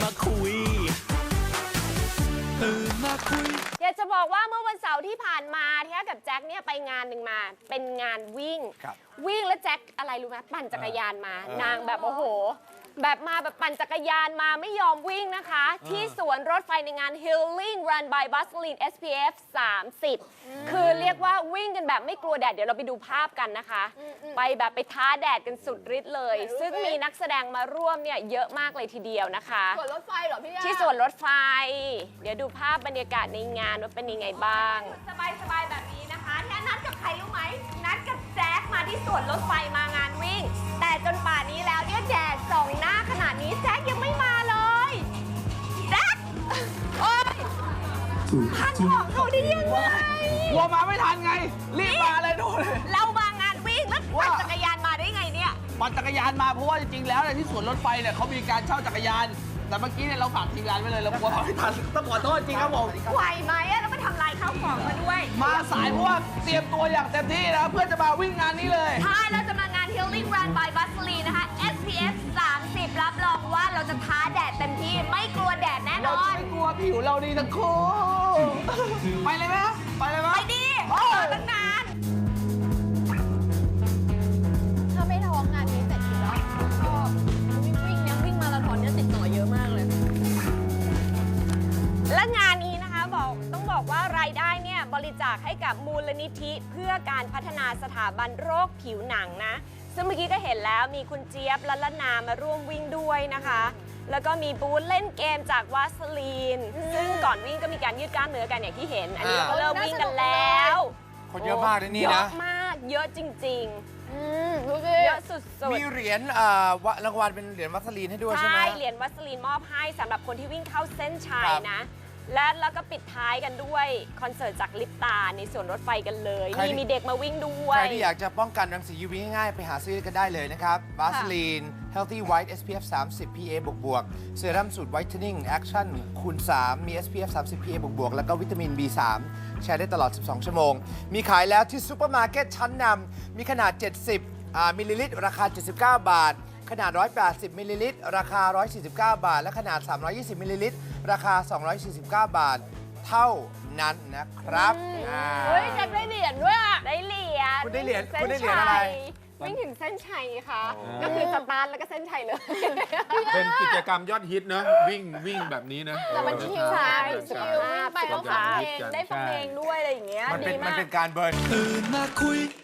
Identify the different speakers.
Speaker 1: มาคุย
Speaker 2: อยากจะบอกว่าเมื่อวันเสาร์ที่ผ่านมาที่กับแจ็คเนี่ยไปงานหนึ่งมาเป็นงานวิ่งวิ่งแล้วแจ็คอะไรรู้ไหมปั่นจักรยานมานางแบบโอ้โหแบบมาแบบปั่นจักรยานมาไม่ยอมวิ่งนะคะที่สวนรถไฟในงาน Healing Run by Vaseline SPF 30คือเรียกว่าวิ่งกันแบบไม่กลัวแดดเดี๋ยวเราไปดูภาพกันนะคะไปแบบไปท้าแดดกันสุดฤทธิ์เลยซึ่งมีนักแสดงมาร่วมเนี่ยเยอะมากเลยทีเดียวนะคะ
Speaker 3: สวนรถไฟเหรอพี่ยา
Speaker 2: ที่สวนรถไฟเดี๋ยวดูภาพบรรยากาศในงานว่าเป็นยังไงบ้างสบายๆแบบนี้นะคะที่นัดกับใครรู้ไหมนัดกับแจ็คมาที่สวนรถไฟมางานวิ่งแต่จนป่านนี้แล้วเนี่ยแดดส่องหน้าขนาดนี้แจ็คยังไม่มาเลยแจ็คโอ๊ยทันบอกเขาได้ยังไง
Speaker 4: กลัวมาไม่ทันไงรีบมาเลยดูเลย
Speaker 2: เรามางานวิ่งแล้วปั่นจักรยานมาได้ไงเนี่ย
Speaker 4: ปั่นจักรยานมาเพราะว่าจริงๆแล้วเนี่ยที่สวนรถไฟเนี่ยเขามีการเช่าจักรยานแต่เมื่อกี้เนี่ยเราฝากทีมงานไว้เลยเรากลัวมาไม่ทันต้องขอโทษจริงครับผม
Speaker 2: ไหวไหมแล้วก็ทำลายข้าวของมาด้วย
Speaker 4: มาสายเพราะว่าเตรียมตัวอย่างเต็มที่นะเพื่อจะมาวิ่งงานนี้เลย
Speaker 2: ใช่เราจะมางาน Healing Run by Vaseline นะคะ SPF 30รับรองว่าเราจะท้าแดดเต็มที่ไม่กลัวแดดแน่น
Speaker 4: เรา
Speaker 2: อน
Speaker 4: ไม่กลัวผิวเราดีทั้งคู่ไปเลยไหมไปเลยไหม
Speaker 2: ไปดีตั้งนาน
Speaker 3: ถ้าไม่ท้องงานนี้เสร็จอยู่แล้วก็วิ่งเนี่ยวิ่งมาราธอนเนี่ยติดต่อเยอะมากเลย
Speaker 2: และงานนี้นะคะต้องบอกว่ารายได้เนี่ยบริจาคให้กับมูลนิธิเพื่อการพัฒนาสถาบันโรคผิวหนังนะซึ่งเมื่อกี้ก็เห็นแล้วมีคุณเจี๊ยบและละนามาร่วมวิ่งด้วยนะคะแล้วก็มีบูธเล่นเกมจากวาสลีนซึ่งก่อนวิ่งก็มีการยืดกล้ามเนื้อกันอย่างที่เห็นอันนี้เราก็เริ่มวิ่งกันแล้ว
Speaker 5: คนเยอะมากเลยนี่นะ
Speaker 2: เยอะมากเยอะจริง
Speaker 3: ดูสิ
Speaker 2: เยอะสุดๆ
Speaker 5: มีเหรียญรางวัลเป็นเหรียญวัสลีนให้ด้วยใช่ไหม
Speaker 2: ใช่เหรียญวัสลีนมอบให้สำหรับคนที่วิ่งเข้าเส้นชัยนะแล้วก็ปิดท้ายกันด้วยคอนเสิร์ตจากลิปตาในสวนรถไฟกันเลยมีเด็กมาวิ่งด้วย
Speaker 5: ใครที่อยากจะป้องกันรังสี UV ง่ายๆไปหาซื้อกันได้เลยนะครับ Vaseline Healthy White SPF 30 PA บวกเซรั่มสูตร Whitening Action คูณ 3 มี SPF 30 PA บวกแล้วก็วิตามิน B3 ใช้ได้ตลอด 12 ชั่วโมงมีขายแล้วที่ซูเปอร์มาร์เก็ตชั้นนำมีขนาด 70 มิลลิลิตรราคา 79 บาทขนาด 180 มิลลิลิตรราคา 149 บาทและขนาด 320 มิลลิลิตรราคา 249 บาท เท่านั้นนะครับ
Speaker 3: เฮ้ยแจ็คได้เหรียญด้วยอ่ะ
Speaker 2: ได้เหรียญ
Speaker 5: คุณได้เหรียญอะไร
Speaker 2: วิ่งถึงเส้นชัยค่ะก็คือสตาร์ทแล้วก็เส้นชัยเลย
Speaker 6: เป็นกิจกรรมยอดฮิตนะวิ่งแบบนี้นะ
Speaker 3: แต่มันชิลใช่ชิลวิ่งไปแล้วฟังเพลงได้ฟังเพลงด้วยอะไรอย่างเงี้ย
Speaker 5: มันเป็นการเบิร์น
Speaker 1: ตื่นมาคุย